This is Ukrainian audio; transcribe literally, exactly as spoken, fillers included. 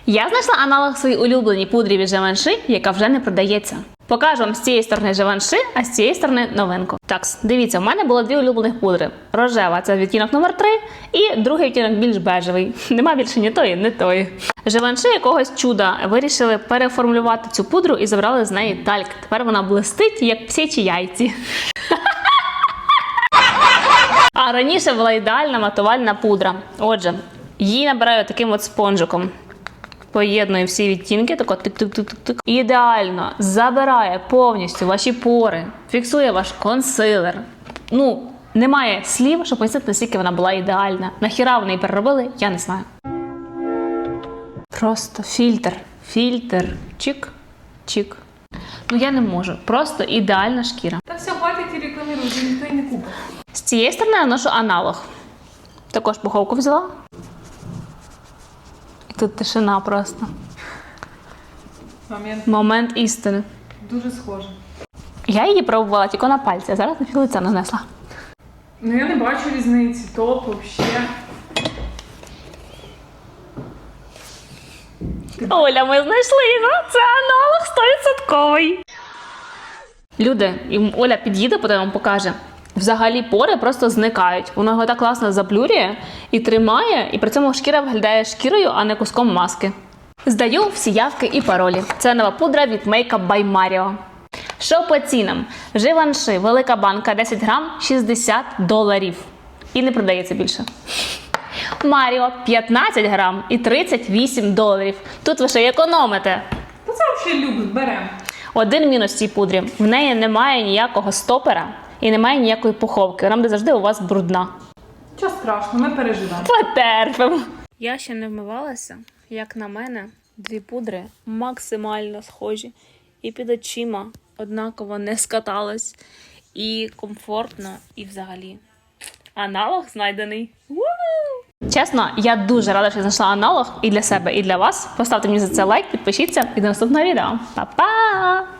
Я знайшла аналог своїй улюбленій пудрі від Givenchy, яка вже не продається. Покажу вам з цієї сторони Givenchy, а з цієї сторони новинку. Так, дивіться, в мене було дві улюблених пудри. Рожева – це відтінок номер три, і другий відтінок більш бежевий. Нема більше ні тої, ні тої. Givenchy якогось чуда вирішили переформулювати цю пудру і забрали з неї тальк. Тепер вона блистить, як птичі яйці. А раніше була ідеальна матувальна пудра. Отже, її набираю таким от спонжиком. Поєднує всі відтінки, тако тик-тик-тик-тик. Ідеально забирає повністю ваші пори, фіксує ваш консилер. Ну, немає слів, щоб пояснити, наскільки вона була ідеальна. Нахіра вони її переробили, я не знаю. Просто фільтр, фільтр, чик, чик. Ну я не можу, просто ідеальна шкіра. Та все, хватить і рекламірують, ніхто і не купить. З цієї сторони я ношу аналог. Також пуховку взяла. Тут тишина просто. Момент. Момент істини. Дуже схоже. Я її пробувала тільки на пальці, а зараз на філиця нанесла. Ну я не бачу різниці, топ, взагалі. Оля, ми знайшли його, це аналог сто відсотків. Люди, і Оля під'їде, потім вам покаже. Взагалі пори просто зникають. Воно його так класно заплюрює і тримає, і при цьому шкіра виглядає шкірою, а не куском маски. Здаю всі явки і паролі. Це нова пудра від Makeup by Mario. Що по цінам? Givenchy, велика банка, десять грам, шістдесят доларів. І не продається більше. Mario, п'ятнадцять грам і тридцять вісім доларів. Тут ви ще й економите. Та це взагалі люкс, беремо. Один мінус цій пудрі. В неї немає ніякого стопера і немає ніякої пуховки. Вона буде завжди у вас брудна. Нічого страшного, ми переживемо. Потерпимо. Я ще не вмивалася. Як на мене, дві пудри максимально схожі. І під очима однаково не скаталось. І комфортно, і взагалі. Аналог знайдений. Ву! Чесно, я дуже рада, що знайшла аналог і для себе, і для вас. Поставте мені за це лайк, підпишіться і до наступного відео. Па-па!